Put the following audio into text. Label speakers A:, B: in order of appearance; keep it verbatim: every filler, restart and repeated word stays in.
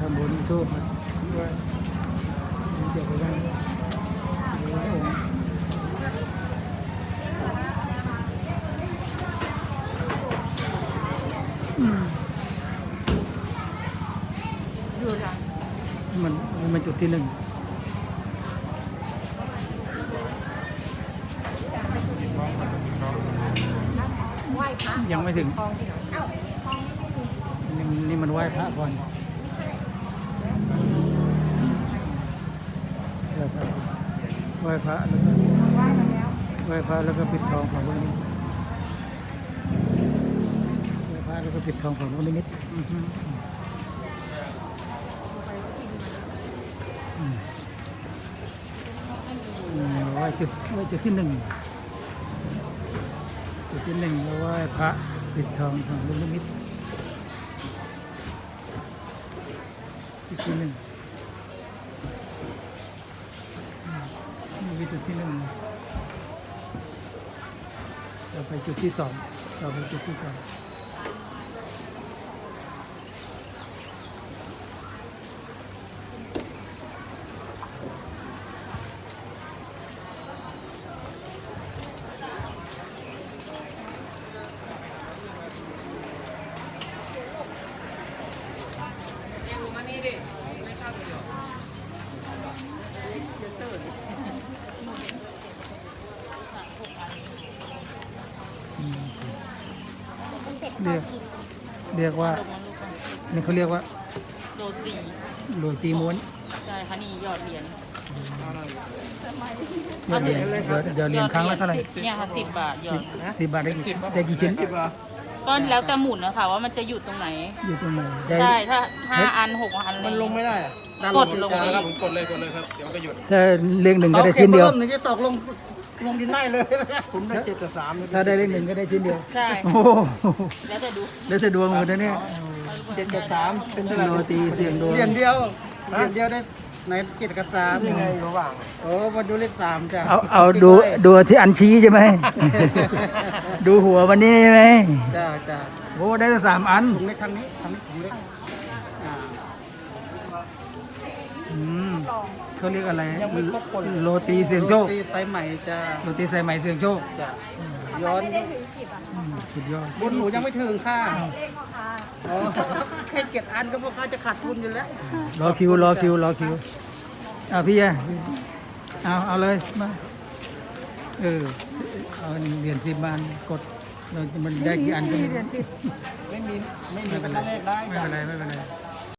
A: ำบุญสู้ครับด้วยเกี่ยวกับการไหว้องค์อืมมันมันจุดที่หนึ่งยังไม่ถึงนี่นี่มันไหว้พระก่อนไหว้พระแล้วก็ไหว้พระแล้วก็ปิดทองของวันนี้ไหว้พระแล้วก็ปิดทองของวันนี้นิดไหว้จุดไหว้จุดที่หนึ่งจุดที่หนึ่งแล้วไหว้พระปิดทองของลูกนิมิตจุดที่หนึ่งนี่คือจุดที่หนึ่งต่อไปจุดที่สองต่อไปจุดที่สองเรียกเรียกว่านี่เขาเรียกว่า
B: โรตี
A: โรตีม้วน
B: ใช่ค่ะนี่หยอดเหรียญ
A: หยอดเหรียญหยอดเหรียญครั้งละเท่าไหร่
B: เนี่ยค่ะสิบบาทหยอด
A: สิบบาทได้กี่ได้กี่ชิ้น
B: ก็แล้วแต่หมุนนะคะว่ามันจะหยุดตรงไหน
A: อยู่ตรงไหน
B: ได้ถ้าห้าอันหกอัน
C: มันลงไม่ได้
B: กดลงไป
C: ครับผมกดเลยกดเลยครับเดี๋ยวมันก็หยุด
A: ถ้าเลขหนึ่งก็ได้ชิ้นเดียว
C: หนึ่งจะตกลงลงดินได้เลยผมได้เจ็ดกับสาม
A: ถ้าได้เลขหนึ่งก็ได้ชิ้นเดียว
B: ใช่
A: โอ้
B: แล้วจะดู
A: แล้วจะดวงหมดนะเนี่ย
C: เจ็ดกับสามเป็นเท่าไหร่
A: โรตีเสียงดวง
C: เหรียญเดียวเหรียญเดียวได้ไหนเจ็ดกับสามยังไงระหว่างโอ้มาดูเลขสามจ้ะ
A: เอาเอาดูดูที่อันชี้ใช่ไหมดูหัววันนี้ใช่ไหม
C: จ้าจ้า
A: โอ้ได้ตั้งสามอัน
C: ถุงเล็กทางนี้ทางนี้ถุงเล็ก
A: อืมเขาเรียกอะไรโรตีเสียงโชค
C: โรตีสายใหม่จ้า
A: โรตีสายใหม่เสียงโชค
C: จ้าย้อน
A: สุดยอด
C: บุญหนูยังไม่ถึงค่ะอ๋อแค่เจ็ดอันก็พวกเขาจะขาดทุนอยู่แล้ว
A: รอคิวรอคิวรอคิวอ่ะพี่อ่ะเอาเอาเลยมาเออเอาเหรียญสิบบาทกดเราจะมันได้กี่อันก็ไม่รู้
C: ไม่มีไม่มีเป็นเลขได้
A: ไม่เป็นไรไม่เป็นไร